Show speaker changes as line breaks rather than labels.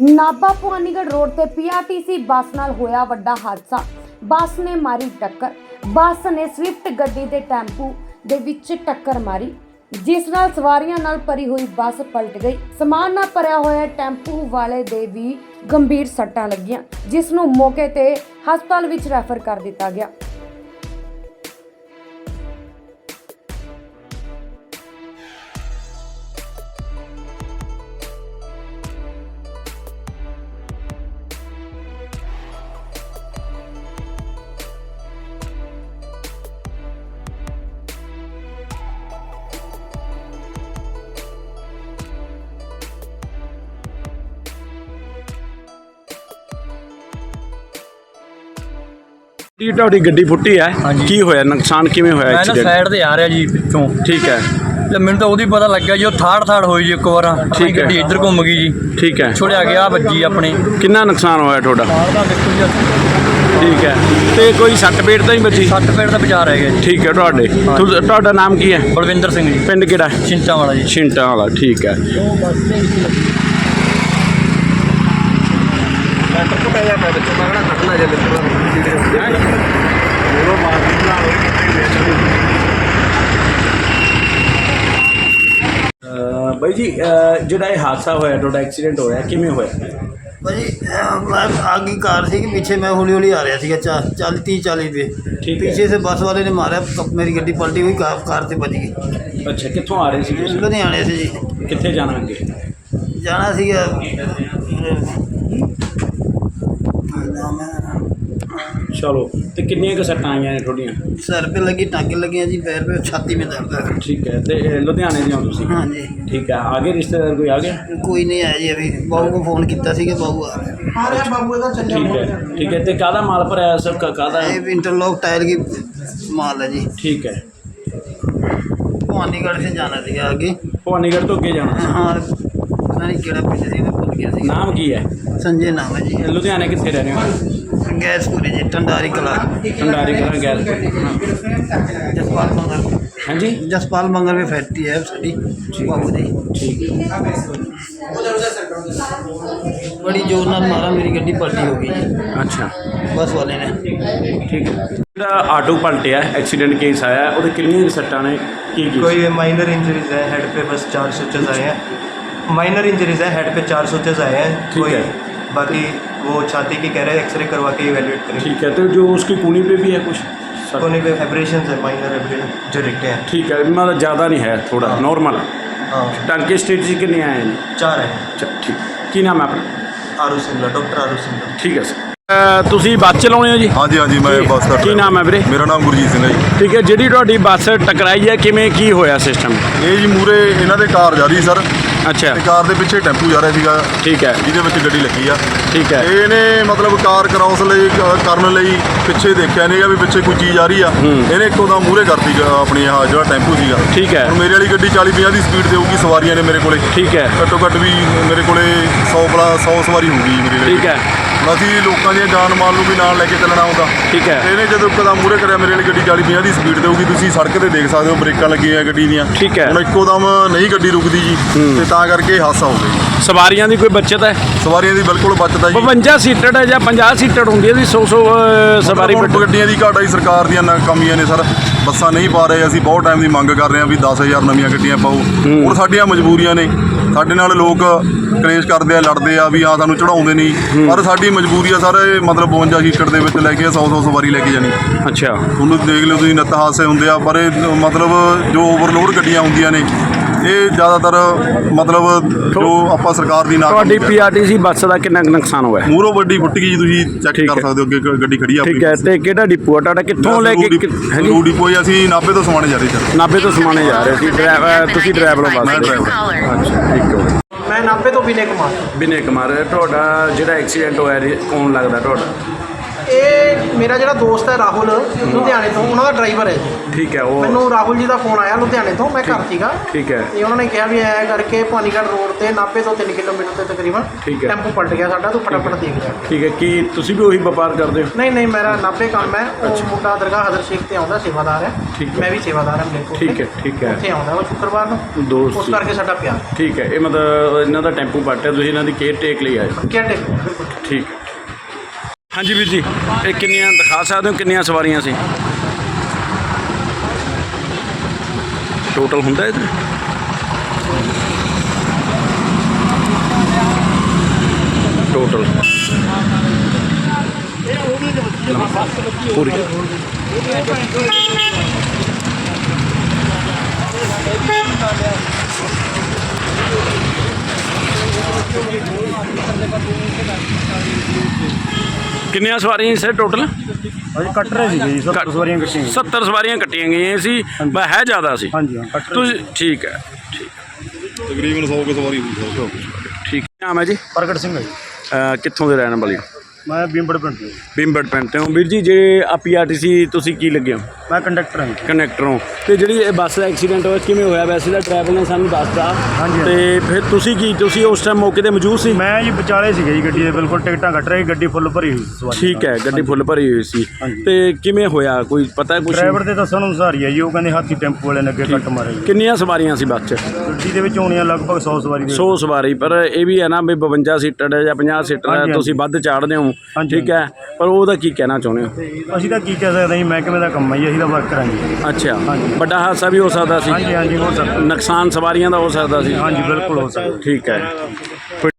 Nabha Bhawanigarh road ਤੇ PRTC bus ਨਾਲ ਹੋਇਆ ਵੱਡਾ ਹਾਦਸਾ। ਬੱਸ ਨੇ ਮਾਰੀ ਟੱਕਰ। ਬੱਸ ਨੇ ਸਵਿਫਟ ਗੱਡੀ ਦੇ ਟੈਂਪੂ ਦੇ ਵਿੱਚ ਟੱਕਰ ਮਾਰੀ, ਜਿਸ ਨਾਲ ਸਵਾਰੀਆਂ ਨਾਲ ਭਰੀ ਹੋਈ ਬੱਸ ਪਲਟ ਗਈ। ਸਮਾਨ ਨਾਲ ਭਰਿਆ ਹੋਇਆ ਟੈਂਪੂ ਵਾਲੇ ਦੇ ਵੀ ਗੰਭੀਰ ਸੱਟਾਂ ਲੱਗੀਆਂ, ਜਿਸ ਨੂੰ ਮੌਕੇ ਤੇ ਹਸਪਤਾਲ ਵਿੱਚ ਰੈਫਰ ਕਰ ਦਿੱਤਾ ਗਿਆ।
ਜੀ ਤੁਹਾਡੀ ਗੱਡੀ ਫੁੱਟੀ ਹੈ, ਕੀ ਹੋਇਆ? ਨੁਕਸਾਨ ਕਿਵੇਂ ਹੋਇਆ?
ਮੈਂ ਨਾ
ਐਕਸੀਡੈਂਟ
ਸਾਈਡ ਤੇ ਆ ਰਿਹਾ ਜੀ ਪਿੱਛੋਂ।
ਠੀਕ ਹੈ।
ਤੇ ਮੈਨੂੰ ਤਾਂ ਉਹਦੀ ਪਤਾ ਲੱਗਿਆ ਜੀ, ਉਹ ਥਾੜ ਹੋਈ ਜੀ ਇੱਕ ਵਾਰ।
ਠੀਕ ਹੈ।
ਗੱਡੀ ਇੱਧਰ ਘੁੰਮ ਗਈ ਜੀ,
ਠੀਕ ਹੈ।
ਛੁੜਿਆ ਗਿਆ ਵੱਜੀ ਆਪਣੇ।
ਕਿੰਨਾ ਨੁਕਸਾਨ ਹੋਇਆ ਤੁਹਾਡਾ?
ਦਾ ਦੇਖੋ ਜੀ,
ਠੀਕ ਹੈ। ਤੇ ਕੋਈ ਸੱਟ ਪੇਟ ਤਾਂ ਨਹੀਂ ਬਚੀ?
60 ਪੇੜ ਦਾ ਬਚਾ ਰਹਿ ਗਿਆ ਜੀ।
ਠੀਕ ਹੈ। ਤੁਹਾਡਾ ਨਾਮ ਕੀ ਹੈ?
ਬਲਵਿੰਦਰ ਸਿੰਘ ਜੀ।
ਪਿੰਡ ਕਿਹੜਾ?
ਛਿੰਟਾਂ ਵਾਲਾ ਜੀ।
ਛਿੰਟਾਂ ਵਾਲਾ। ਠੀਕ ਹੈ। ਬਾਈ ਜੀ, ਜਿਹੜਾ ਇਹ ਹਾਦਸਾ ਹੋਇਆ, ਤੁਹਾਡਾ ਐਕਸੀਡੈਂਟ ਹੋਇਆ, ਕਿਵੇਂ ਹੋਇਆ?
ਭਾਜੀ मैं आगे कार थी कि पीछे मैं हौली हौली आ रहा थी 30-40 पे।
ठीक है।
पीछे से बस वाले ने मारा, मेरी गड्डी पलटी हुई, कार से बच गई।
ਅੱਛਾ, ਕਿੱਥੋਂ ਆ ਰਹੇ ਸੀ ਤੁਸੀਂ?
लुधियाने से जी
ਕਿੱਥੇ ਜਾਣਾ ਅੱਗੇ?
जाना सीगा
ਚਲੋ। ਤੇ ਕਿੰਨੀਆਂ ਕੁ ਸੱਟਾਂ ਆਈਆਂ ਨੇ ਤੁਹਾਡੀਆਂ?
सर पे लगी, टाँके लगे हैं जी, पैर पे, छाती में दर्द है।
ਠੀਕ ਹੈ। ਤੇ ਲੁਧਿਆਣੇ ਦੇ ਹੋ ਤੁਸੀਂ?
हाँ जी।
ਠੀਕ ਹੈ। आगे रिश्तेदार कोई आ गया?
कोई नहीं आया जी, अभी बहू को फोन किया कि बहू आ रहा है।
ठीक है। ठीक है। तो कादा माल पर आया सब का कादा?
ये इंटरलॉक टायर की माल है जी।
ठीक है।
भवानीगढ़ से जाना थी आगे।
भवानीगढ़ तो अगे जाना?
हाँ पता नहीं केड़ा पिंड सी, मैं भूल गया सी।
नाम की है?
संजय नाम है जी।
लुधियाने कितने रहने हो?
गैसपुरी जी, टंडारी कला।
भंडारी कला गैस।
जसपाल मंगल।
हाँ जी।
जसपाल मंगल में फैक्ट्री है साड़ी बाबू जी।
ठीक है।
बड़ी जोर नाल मारा, मेरी गड्डी पलटी हो गई जी,
अच्छा।
बस वाले ने।
ठीक है। ਜਿਹੜਾ ਆਟੋ ਪਲਟਿਆ ਐਕਸੀਡੈਂਟ ਕੇਸ ਆਇਆ, ਉਹਦੇ ਕਿੰਨੀਆਂ ਸੱਟਾਂ ਨੇ? ਕੀ
कोई माइनर इंजरीज है, हेड पे बस 4 स्टिचेस आए हैं। माइनर इंजरीज है, हेड पे 4 स्टिचेस आए हैं।
ठीक
कोई
है।
बाकी वो छाती की कह रहे हैं, एक्सरे करवा के इवेल्युएट करें।
ठीक है। तो जो उसकी कूनी पे भी है कुछ सर?
कोने पे एब्रेशन है, माइनर एब्रेशन जो दिखते हैं।
ठीक है। मतलब ज़्यादा नहीं है, थोड़ा
हाँ।
नॉर्मल।
हाँ
टांके स्टेज कितने आए हैं?
4 हैं।
अच्छा, ठीक। की नाम है अपना?
आरू सिंगला, डॉक्टर आरू सिंगला।
ठीक है सर। ਤੁਸੀਂ ਬੱਸ ਚਲਾਉਂਦੇ ਹੋ ਜੀ?
ਹਾਂਜੀ ਹਾਂਜੀ, ਮੈਂ ਬੱਸ ਦਾ
ਕੀ ਨਾਮ ਹੈ ਵੀਰੇ?
ਮੇਰਾ ਨਾਮ ਗੁਰਜੀਤ ਸਿੰਘ ਹੈ ਜੀ।
ਠੀਕ ਹੈ। ਜਿਹੜੀ ਤੁਹਾਡੀ ਬੱਸ ਟਕਰਾਈ ਹੈ, ਕਿਵੇਂ ਕੀ ਹੋਇਆ ਸਿਸਟਮ?
ਇਹ ਜੀ ਮੂਰੇ ਇਹਨਾਂ ਦੇ ਕਾਰ ਜਾ ਰਹੀ ਸਰ,
ਅੱਛਾ।
ਤੇ ਕਾਰ ਦੇ ਪਿੱਛੇ ਟੈਂਪੂ ਜਾ ਰਿਹਾ ਸੀਗਾ,
ਠੀਕ ਹੈ।
ਜਿਹਦੇ ਵਿੱਚ ਗੱਡੀ ਲੱਗੀ ਆ।
ਠੀਕ ਹੈ।
ਇਹਨੇ ਮਤਲਬ ਕਾਰ ਕ੍ਰਾਸ ਕਰਨ ਲਈ ਪਿੱਛੇ ਦੇਖਿਆ ਨਹੀਂਗਾ ਵੀ ਪਿੱਛੇ ਕੋਈ ਚੀਜ਼ ਆ ਰਹੀ ਆ। ਇਹਨੇ ਇੱਕੋ ਦਮ ਮੂਰੇ ਕਰਤੀ ਆਪਣੀ ਆਹ ਜਿਹੜਾ ਟੈਂਪੂ ਸੀਗਾ।
ਠੀਕ ਹੈ।
ਹੁਣ ਮੇਰੇ ਵਾਲੀ ਗੱਡੀ 40-50 ਦੀ ਸਪੀਡ ਦੇਊਗੀ, ਸਵਾਰੀਆਂ ਨੇ ਮੇਰੇ ਕੋਲੇ
ਠੀਕ ਹੈ।
ਘੱਟੋ ਘੱਟ ਵੀ ਮੇਰੇ ਕੋਲੇ 100 ਸਵਾਰੀ ਹੋਊਗੀ ਜੀ ਮੇਰੇ ਲਈ।
ਠੀਕ ਹੈ।
ਅਸੀਂ ਲੋਕਾਂ ਦੀਆਂ ਜਾਨ ਮਾਲ ਨੂੰ ਵੀ ਨਾਲ ਲੈ ਕੇ ਚੱਲਣਾ ਹੁੰਦਾ।
ਠੀਕ ਹੈ।
ਇਹਨੇ ਜਦੋਂ ਇੱਕਦਮ ਮੂਹਰੇ ਕਰਿਆ, ਮੇਰੇ ਵਾਲੀ ਗੱਡੀ 40-50 ਦੀ ਸਪੀਡ ਦੇਊਗੀ, ਤੁਸੀਂ ਸੜਕ ਤੇ ਦੇਖ ਸਕਦੇ ਹੋ ਬ੍ਰੇਕਾਂ ਲੱਗੀਆਂ ਗੱਡੀ ਦੀਆਂ।
ਠੀਕ ਹੈ।
ਹੁਣ ਇੱਕੋ ਦਮ ਨਹੀਂ ਗੱਡੀ ਰੁਕਦੀ ਜੀ, ਤੇ ਤਾਂ ਕਰਕੇ ਹਾਦਸਾ ਹੋ ਗਿਆ ਜੀ।
ਸਵਾਰੀਆਂ ਦੀ ਕੋਈ ਬੱਚਤ ਹੈ?
ਸਵਾਰੀਆਂ ਦੀ ਬਿਲਕੁਲ ਬਚਤ ਹੈ ਜੀ।
52 ਸੀਟਡ ਹੈ ਜਾਂ 50 ਸੀਟਡ ਹੁੰਦੀ ਹੈ ਜੀ? 100 ਸਵਾਰੀ
ਹੁਣ ਗੱਡੀਆਂ ਦੀ ਘਾਟ ਆਈ, ਸਰਕਾਰ ਦੀਆਂ ਨਾਕਾਮੀਆਂ ਨੇ ਸਰ, ਬੱਸਾਂ ਨਹੀਂ ਪਾ ਰਹੇ। ਅਸੀਂ ਬਹੁਤ ਟਾਈਮ ਦੀ ਮੰਗ ਕਰ ਰਹੇ ਹਾਂ ਵੀ 10,000 ਨਵੀਆਂ ਗੱਡੀਆਂ ਪਾਓ। ਹੁਣ ਸਾਡੀਆਂ ਮਜਬੂਰੀਆਂ ਨੇ, ਸਾਡੇ ਨਾਲ ਲੋਕ ਕਲੇਸ਼ ਕਰਦੇ ਆ, ਲੜਦੇ ਆ ਵੀ ਸਾਨੂੰ ਚੜਾਉਂਦੇ ਨਹੀਂ, ਪਰ ਸਾਡੀ ਮਜਬੂਰੀ ਆ ਸਰ। ਇਹ ਮਤਲਬ 52 ਸੀਟਡ ਦੇ ਵਿੱਚ ਲੈ ਕੇ 100 ਸਵਾਰੀ ਲੈ ਕੇ ਜਾਣੀ।
ਅੱਛਾ।
ਤੁਹਾਨੂੰ ਦੇਖ ਲਿਓ ਤੁਸੀਂ, ਨਿੱਤ ਹਾਦਸੇ ਹੁੰਦੇ ਆ, ਪਰ ਇਹ ਮਤਲਬ ਜੋ ਓਵਰਲੋਡ ਗੱਡੀਆਂ ਹੁੰਦੀਆਂ ਨੇ, ਇਹ ਜ਼ਿਆਦਾਤਰ ਮਤਲਬ ਜੋ ਆਪਾਂ ਸਰਕਾਰ ਦੀ
ਤੁਹਾਡੀ PRTC ਬੱਸ ਦਾ ਕਿੰਨਾ ਕੁ ਨੁਕਸਾਨ ਹੋਇਆ?
ਮੂਹਰੋਂ ਗੱਡੀ ਫੁੱਟ ਗਈ ਜੀ, ਤੁਸੀਂ ਚੈੱਕ ਕਰ ਸਕਦੇ ਹੋ, ਅੱਗੇ ਗੱਡੀ ਖੜੀ ਆ।
ਠੀਕ ਹੈ। ਤੇ ਕਿਹੜਾ ਡਿਪੂ ਆ ਤੁਹਾਡਾ? ਕਿੱਥੋਂ ਲੈ ਕੇ?
ਰੂਡੀ ਕੋਈ ਅਸੀਂ ਨਾਭੇ ਤੋਂ ਸਮਾਣੇ ਜਾ ਰਹੇ ਸਰ।
ਨਾਭੇ ਤੋਂ ਸਮਾਣੇ ਜਾ ਰਹੇ ਸੀ। ਤੁਸੀਂ ਡਰਾਈਵਰ ਹੋ ਬੱਸ?
ਮੈਂ ਡਰਾਈਵਰ।
ਅੱਛਾ, ਠੀਕ ਹੈ।
मैं नाभे तो विनय कुमार।
ਵਿਨੇ ਕੁਮਾਰ। ਤੁਹਾਡਾ ਜਿਹੜਾ ਐਕਸੀਡੈਂਟ ਹੋਇਆ ਕੌਣ ਲੱਗਦਾ ਤੁਹਾਡਾ?
ਇਹ ਮੇਰਾ ਜਿਹੜਾ ਦੋਸਤ ਹੈ ਰਾਹੁਲ ਲੁਧਿਆਣੇ ਤੋਂ, ਉਹਨਾਂ ਦਾ ਡਰਾਈਵਰ ਹੈ ਜੀ।
ਠੀਕ ਹੈ। ਉਹ
ਮੈਨੂੰ ਰਾਹੁਲ ਜੀ ਦਾ ਫੋਨ ਆਇਆ ਲੁਧਿਆਣੇ ਤੋਂ, ਮੈਂ ਘਰ ਸੀਗਾ
ਠੀਕ ਹੈ।
ਤੇ ਉਹਨਾਂ ਨੇ ਕਿਹਾ ਵੀ ਐ ਕਰਕੇ ਭਾਨੀਗੜ੍ਹ ਰੋਡ ਤੇ ਨਾਭੇ ਤੋਂ 3 ਕਿਲੋਮੀਟਰ ਤੇ ਤਕਰੀਬਨ
ਠੀਕ ਹੈ।
ਟੈਂਪੂ ਪਲਟ ਗਿਆ ਸਾਡਾ, ਤੂੰ ਫਟਾਫਟ ਦੇਖ ਜਾ।
ਠੀਕ ਹੈ। ਕੀ ਤੁਸੀਂ ਵੀ ਉਹੀ ਵਪਾਰ ਕਰਦੇ ਹੋ?
ਨਹੀਂ ਮੇਰਾ ਨਾਭੇ ਕੰਮ ਹੈ। ਉਹ ਮੁੰਡਾ ਦਰਗਾਹ ਹਜ਼ਰ ਸ਼ੇਖ ਤੇ ਆਉਂਦਾ, ਸੇਵਾਦਾਰ ਹੈ।
ਠੀਕ ਹੈ।
ਮੈਂ ਵੀ ਸੇਵਾਦਾਰ ਹਾਂ ਮਲੇਰਕੋਟਲੇ।
ਠੀਕ ਹੈ। ਠੀਕ ਹੈ।
ਉੱਥੇ ਆਉਂਦਾ ਉਹ ਸ਼ੁੱਕਰਵਾਰ ਨੂੰ,
ਦੋਸਤ
ਉਸ ਕਰਕੇ ਸਾਡਾ ਪਿਆਰ।
ਠੀਕ ਹੈ। ਇਹ ਮਤਲਬ ਇਹਨਾਂ ਦਾ ਟੈਂਪੂ ਪਲਟਿਆ, ਤੁਸੀਂ ਇਹਨਾਂ ਦੀ ਕੇਅਰ ਟੇਕ ਲਈ ਆਏ?
ਕਿਹੜੇ ਬਿਲਕੁਲ।
ਠੀਕ ਹੈ। ਹਾਂਜੀ ਵੀਰ ਜੀ, ਇਹ ਕਿੰਨੀਆਂ ਦਿਖਾ ਸਕਦੇ ਹੋ, ਕਿੰਨੀਆਂ ਸਵਾਰੀਆਂ ਸੀ ਟੋਟਲ ਹੁੰਦਾ ਇਹਦਾ? ਟੋਟਲ ਪੂਰੀ ਕਿੰਨੀਆਂ ਸਵਾਰੀਆਂ ਸਰ ਟੋਟਲ?
ਅਜੇ ਕੱਟ ਰਹੇ ਸੀਗੇ ਜੀ, 70 ਸਵਾਰੀਆਂ ਕੱਟੀਆਂ
70 ਸਵਾਰੀਆਂ ਕੱਟੀਆਂ ਗਈਆਂ ਸੀ, ਬਸ ਹੈ ਜ਼ਿਆਦਾ ਸੀ।
ਹਾਂਜੀ ਹਾਂ, ਕੱਟ ਰਹੇ
ਤੁਸੀਂ ਠੀਕ ਹੈ। ਠੀਕ
ਤਕਰੀਬਨ 100 ਕੁ ਸਵਾਰੀ ਹੁੰਦੀ
ਠੀਕ ਨਾਮ ਹੈ ਜੀ?
ਪ੍ਰਗਟ ਸਿੰਘ ਹੈ ਜੀ।
ਕਿੱਥੋਂ ਦੇ ਰਹਿਣ ਵਾਲੇ ਹੋ?
ਮੈਂ ਬੀਮਬੜ ਪਿੰਡ ਤੋਂ ਜੀ।
ਬਿੰਬੜ ਪਿੰਡ ਤੋਂ। ਵੀਰ ਜੀ, ਜੇ ਆ PRTC ਤੁਸੀਂ ਕੀ ਲੱਗੇ ਹੋ?
ਮੈਂ ਕੰਡਕਟਰ ਹਾਂ ਜੀ।
ਕਨੈਕਟਰ ਹੋ। ਤੇ ਜਿਹੜੀ ਇਹ ਬੱਸ ਦਾ ਐਕਸੀਡੈਂਟ ਹੋਇਆ ਕਿਵੇਂ ਹੋਇਆ? ਵੈਸੇ ਤਾਂ ਡਰਾਈਵਰ ਨੇ ਸਾਨੂੰ ਦੱਸਤਾ।
ਹਾਂਜੀ।
ਤੇ ਫਿਰ ਤੁਸੀਂ ਉਸ ਟਾਈਮ ਮੌਕੇ ਤੇ ਮੌਜੂਦ ਸੀ?
ਮੈਂ ਜੀ ਵਿਚਾਲੇ ਸੀਗੇ ਜੀ ਗੱਡੀ ਦੇ, ਬਿਲਕੁਲ ਟਿਕਟਾਂ ਕੱਟ ਰਹੀ, ਗੱਡੀ ਫੁੱਲ ਭਰੀ ਹੋਈ ਸੀ ਸਵਾਰੀ।
ਠੀਕ ਹੈ। ਗੱਡੀ ਫੁੱਲ ਭਰੀ ਹੋਈ ਸੀ।
ਹਾਂਜੀ।
ਤੇ ਕਿਵੇਂ ਹੋਇਆ, ਕੋਈ ਪਤਾ ਕੁਝ?
ਡਰਾਈਵਰ ਦੇ ਦੱਸਣ ਅਨੁਸਾਰ ਹੀ ਹੈ ਜੀ, ਉਹ ਕਹਿੰਦੇ ਹਾਥੀ ਟੈਂਪੂ ਵਾਲੇ ਨੇ ਅੱਗੇ ਕੱਟ ਮਾਰਿਆ ਜੀ।
ਕਿੰਨੀਆਂ ਸਵਾਰੀਆਂ ਸੀ ਬੱਸ 'ਚ?
ਗੱਡੀ ਦੇ ਵਿੱਚ ਹੋਣੀਆਂ ਲਗਭਗ 100 ਸਵਾਰੀ ਦੇ।
100 ਸਵਾਰੀ, ਪਰ ਇਹ ਵੀ ਹੈ ਨਾ ਵੀ 52 ਸੀਟਰ ਹੈ ਜਾਂ 50 ਸੀਟਰ ਹੈ,
ਹਾਂਜੀ,
ਤੁਸੀਂ ਵੱਧ ਚਾੜਦੇ ਹੋ।
ਹਾਂਜੀ।
ਠੀਕ ਹੈ, ਪਰ ਉਹਦਾ ਕੀ ਕਹਿਣਾ ਚਾਹੁੰਦੇ ਹੋ?
ਅਸੀਂ ਤਾਂ ਕੀ ਕਹਿ ਸਕਦੇ ਜੀ, ਮਹਿਕਮੇ ਦਾ ਕੰਮ ਹੈ ਜੀ, ਅਸੀਂ ਤਾਂ ਵਰਕ ਕਰਾਂਗੇ।
ਅੱਛਾ।
ਹਾਂਜੀ।
ਵੱਡਾ ਹਾਦਸਾ ਵੀ ਹੋ ਸਕਦਾ ਸੀ?
ਹਾਂਜੀ ਹੋ ਸਕਦਾ।
ਨੁਕਸਾਨ ਸਵਾਰੀਆਂ ਦਾ ਹੋ ਸਕਦਾ ਸੀ?
ਹਾਂਜੀ ਬਿਲਕੁਲ ਹੋ ਸਕਦਾ।
ਠੀਕ ਹੈ।